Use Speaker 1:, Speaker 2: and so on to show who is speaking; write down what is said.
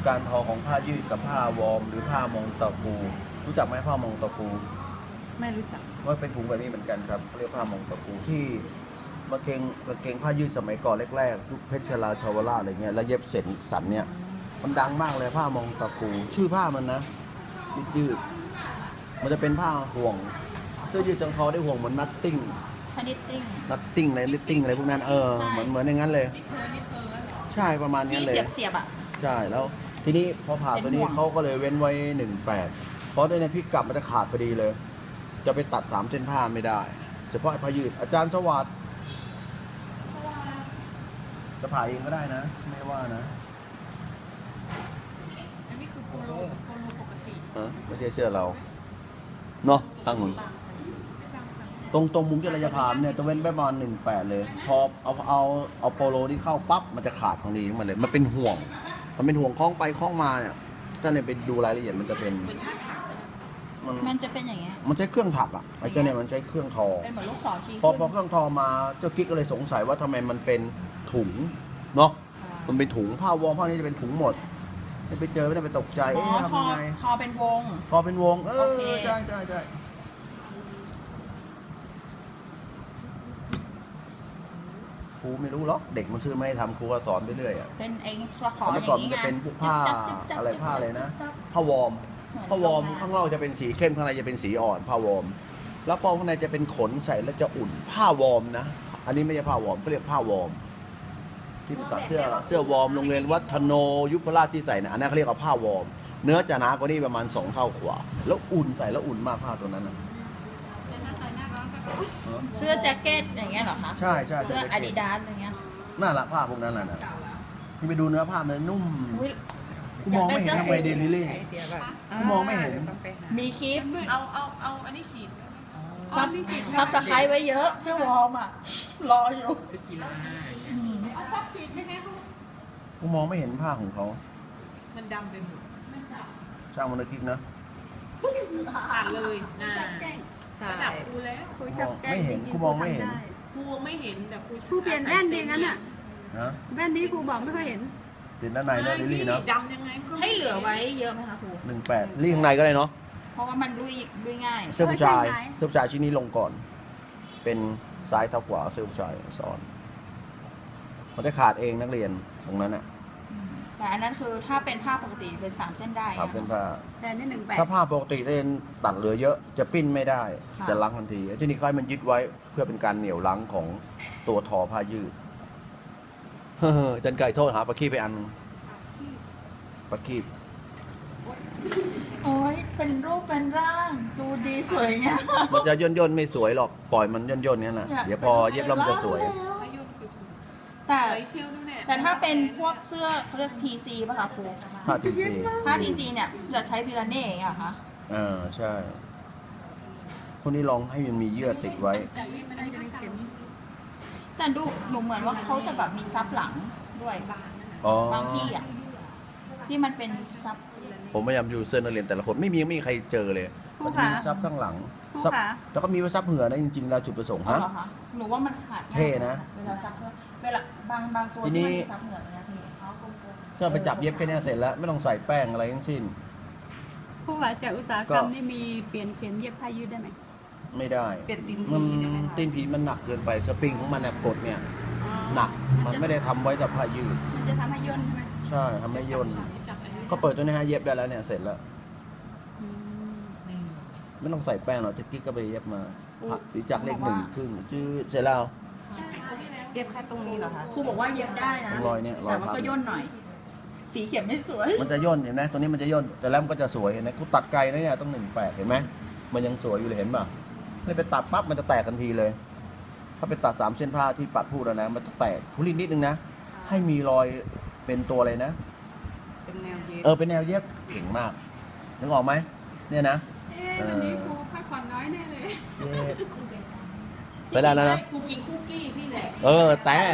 Speaker 1: การทอของผ้ายืดกับผ้าวอร์มหรือผ้ามงตะปูรู้จักไหมผ้ามงตะปู
Speaker 2: ไม่รู้จัก
Speaker 1: ว่าเป็นถุงแบบนี้เหมือนกันครับเรียกผ้ามงตะปูที่กางเกงผ้ายืดสมัยก่อนแรกๆยุคเพชรลาชาวราอะไรเงี้ยแล้วเย็บเสร็จสันเนี่ยมันดังมากเลยผ้ามงตะปูชื่อผ้ามันนะยืดมันจะเป็นผ้าห่วงเสื้อยืดจังทอได้ห่วงเหมือนนัตติ้ง
Speaker 2: พนิตติ้ง
Speaker 1: นัตติ้งอะไรลิตติ้งอะไรพวกนั้นเหมือนอย่างนั้นเลยใช่ประมาณนี้
Speaker 2: ที่
Speaker 1: เลย
Speaker 2: เสียบอ่ะ
Speaker 1: ใช่แล้วทีนี้พอผ่าตัวนี้
Speaker 2: เป็นห่วง
Speaker 1: เขาก็เลยเว้นไว้18เพราะในพิกัดมันจะขาดพอดีเลย จะไปตัด3เส้นผ้าไม่ได้เฉพาะผ้ายืดอาจารย์สวัสดิ์จะผ่าเองก็ได้นะไม่ว่านะ
Speaker 3: อันนี้คือโปโลปกติ
Speaker 1: ไม่ใช่เสื้อเราเนาะช่างมันตรงมุมเจริญพามเนี่ยจะเว้นไปประมาณ18เลยพอเอาโปโลที่เข้าปั๊บมันจะขาดตรงนี้มาเลยมันเป็นห่วงคล้องไปคล้องมาเนี่ยถ้าเนี่ยไปดูรายละเอียดมันจะเป็น
Speaker 2: มันจะเป็นอย่างเงี้ย
Speaker 1: มันใช้เครื่องถักอ่ะไอ้เจ้าเนี่ยมันใช้เครื่องทอ
Speaker 2: เป็นเหมือนลูกศรชี้
Speaker 1: พอ
Speaker 2: ขึ้น
Speaker 1: เครื่องทอมาเจ้ากิ๊กก็เลยสงสัยว่าทำไมมันเป็นถุงเนาะมันเป็นถุงผ้าวอร์มผ้านี้จะเป็นถุงหมดไม่ไปเจอไม่ได้ไปตกใจ
Speaker 2: อ๋อ
Speaker 1: ทำยังไง
Speaker 2: พอเป็นวง
Speaker 1: พอเป็นวง
Speaker 2: โอเค
Speaker 1: ใช่ครูไม่รู้หรอกเด็กมันซื้อไม่ให้ทำครูก็สอนไปเรื่อยอ่ะ
Speaker 2: เป็นเองสะขอ
Speaker 1: เมื่
Speaker 2: อ
Speaker 1: อย่าง ก่อนมัน
Speaker 2: นี้
Speaker 1: จะ
Speaker 2: ไง
Speaker 1: เป็นพวกผ้าอะไรผ้าอะไรนะผ้าวอร์มข้างนอกจะเป็นสีเข้มข้างในจะเป็นสีอ่อนผ้าวอร์มแล้วพอข้างในจะเป็นขนใส่แล้วจะอุ่นผ้าวอร์มนะอันนี้ไม่ใช่ผ้าวอร์มเขาเรียกผ้าวอร์มที่เป็นตัดเสื้อวอร์มโรงเรียนวัฒโนยุพราชที่ใส่นะอันนั้นเขาเรียกว่าผ้าวอร์มเนื้อจะหนากว่านี้ประมาณ2 เท่ากว่าแล้วอุ่นใส่แล้วอุ่นมากผ้าตัวนั้นนะ
Speaker 2: เสื้อแจ็คเก็ตอย่างเงี้ยเหรอคะ
Speaker 1: ใช่
Speaker 2: เสื้ออาดิดาสอะไรเงี้ย
Speaker 1: น่ารักผ้าพวกนั้นน่ะนะที่ไปดูเนื้อผ้ามันนุ่ม
Speaker 2: อุ๊ย
Speaker 1: กูมองไม่เห็นทำไมเดลิลี่กูมองไม่เห็น
Speaker 2: มีคลิป
Speaker 3: เอาอันนี้ขีด
Speaker 2: ซับสไครต์ไว้เยอะเสื้อวอร์มอ่ะ รออยู่
Speaker 3: ชุดกีฬา
Speaker 1: กูมองไม่เห็นผ้าของเขา
Speaker 3: มันดำไปหมด
Speaker 1: ช่างมันเลยคิดนะ
Speaker 3: ขาดเลยใช่ระดับครูแล้ว
Speaker 2: ครูชอบแกล้ง
Speaker 1: ไม่เห็น
Speaker 2: จริงๆ
Speaker 1: กูมองไม่เห็น
Speaker 3: ครูไม่เห็นแต่ครู
Speaker 4: ครูเปลี่ยนแว่นดีงั้นอ่ะ
Speaker 1: นะ
Speaker 4: แว่นนี้ครูบอกไม่ค่อยเห็น
Speaker 1: เปลี่ยนด้านในเนาะลิลลี่เนาะ
Speaker 3: ดำยังไงก็
Speaker 2: ให้เหลือไว้เยอะไหมคะครู
Speaker 1: 18ลี่ข้างในก็ได้เนาะ
Speaker 2: เพราะว่ามันลุยง่าย
Speaker 1: เสื้อผู้ชาย
Speaker 4: ใช่
Speaker 1: เสื้อผู้ชายชิ้นนี้ลงก่อน เป็นซ้ายเท่าขวาเสื้อผู้ชายซ้อนมันจะขาดเองนักเรียนตรงนั้นอ่ะ
Speaker 2: แต่อันนั้นคือถ้าเป็นผ้าปกติเป็น3 เส้นได้
Speaker 1: 3 เส้นผ้า
Speaker 4: แต่นี่18
Speaker 1: ถ้าผ้าปกติเส้นตัดเหลือเยอะจะปิ้นไม่ได้
Speaker 2: ค่ะ
Speaker 1: จะลังทันทีไอ้ที่นี่ค่อยมันยึดไว้เพื่อเป็นการเหนี่ยวลังของตัวทอผ้ายืด จันไก่โทษหาปลาขี้ไปอันนึงปลาขี้
Speaker 2: โอ้ยเป็นรูปเป็นร่าง ดูดีสวยงาม
Speaker 1: มันจะย่นไม่สวยหรอกปล่อยมันย่นงั้นแหละเดี๋ยวพอเย็บแล้วมันจะสวย
Speaker 3: พายุคือถูก
Speaker 2: แต่
Speaker 3: ใส่เชลด้วยเนี่ย
Speaker 2: แต่ถ้าเป็นพวกเสื้อเขาเรียก TC ป่ะคะครู
Speaker 1: ผ้าทีซี
Speaker 2: ผ้า TC เนี่ยจะใช้พิลาเน่อย่างเงี้ยเหรอคะ
Speaker 1: ใช่พวกนี้ลองให้มันมีเยื่อติดไว้
Speaker 2: แต่ดูหนูเหมือนว่าเขาจะแบบมีซับหลังด้วย
Speaker 1: อ๋อบ
Speaker 2: างที่อ่ะที่มันเป็นซับ
Speaker 1: ผมพยายามดูเสื้อนักเรียนแต่ละคนไม่มีใครเจอเลย
Speaker 4: ครู
Speaker 1: มันจะมี
Speaker 4: คะ
Speaker 1: ซับข้างหลัง
Speaker 4: ครู
Speaker 1: ซับ
Speaker 4: คะ
Speaker 1: แล้วก็มีไว้ซับเหงื่อนะจริงๆแล้วจุดประสงค์
Speaker 2: อ๋อ
Speaker 1: ฮะ
Speaker 2: เหรอคะหนูว่ามันขาดง่าย
Speaker 1: เท่นะ
Speaker 2: เวลาซับเวลาบางตัว
Speaker 1: ที
Speaker 2: ที่
Speaker 1: นี้
Speaker 2: มันมีซับเหงื่อเนี่ยพี่เขากลม
Speaker 1: ถ้าไปจับเย็บแค่เนี้ยเสร็จแล้ว ไม่ต้องใส่แป้งอะไรทั้งสิ้น
Speaker 4: ครูว่าจากอุตสาหกรรม
Speaker 1: ก็
Speaker 4: นี่มีเปลี่ยนเข็มเย็บผ้ายืดได้ไหม
Speaker 1: ไม่ได้
Speaker 3: เปลี่ยนตีน
Speaker 1: มัน
Speaker 3: ผีได้ไหมคะ
Speaker 1: ตีนผีมันหนักเกินไปสปริงของมันเนี่ยกดเนี่ยหนักมันไม่ได้ทำไว้กับผ้ายืด
Speaker 4: มันจะทำให้ย่นใช่ไหม
Speaker 1: ใช่ทำให้ย่น
Speaker 3: จับอันนี้
Speaker 1: ก็เปิดตัวนี้ฮะเย็บได้แล้วเนี่ยเสร็จแล้ว
Speaker 4: อืม
Speaker 1: ไม่ต้องใส่แป้งหรอกจะกิ๊กก็ไปเย็บมาหรือจากเลข1ครึ่งจืดเสร็จแล้ว
Speaker 3: เก็บแค่ตรงนี้เหรอคะ
Speaker 2: ๆครูบอกว่าเย็บได้นะ
Speaker 1: รอยเนี่ยรอย
Speaker 2: แต่มัน
Speaker 1: พับ
Speaker 2: ก็ย่นหน่อย สีเข็มไม่สวย
Speaker 1: มันจะย่นเห็นไหมตัวนี้มันจะย่นแต่แล้วมันก็จะสวยเห็นไหมกูตัดไกลนะเนี่ยต้อง18เห็นไหมมันยังสวยอยู่เลยเห็นป่ะนี่ไปตัดปั๊บมันจะแตกทันทีเลย ถ้าไปตัด3 เส้นผ้าที่ปัดพูดแล้วนะมันจะแตกคุณลินนิดนึงนะให้มีรอยเป็นตัวอะไรนะ
Speaker 3: เป็นแนวเย็บ
Speaker 1: เป็นแนวเย็บเก่งมากนึกออกไหมเนี่ยนะ
Speaker 4: วันนี้ครูพักผ่อนน้อยแน่เลย
Speaker 1: เย็บไปแล้วนะ
Speaker 3: ครูกินคุกกี้พี่แหละ
Speaker 1: แต่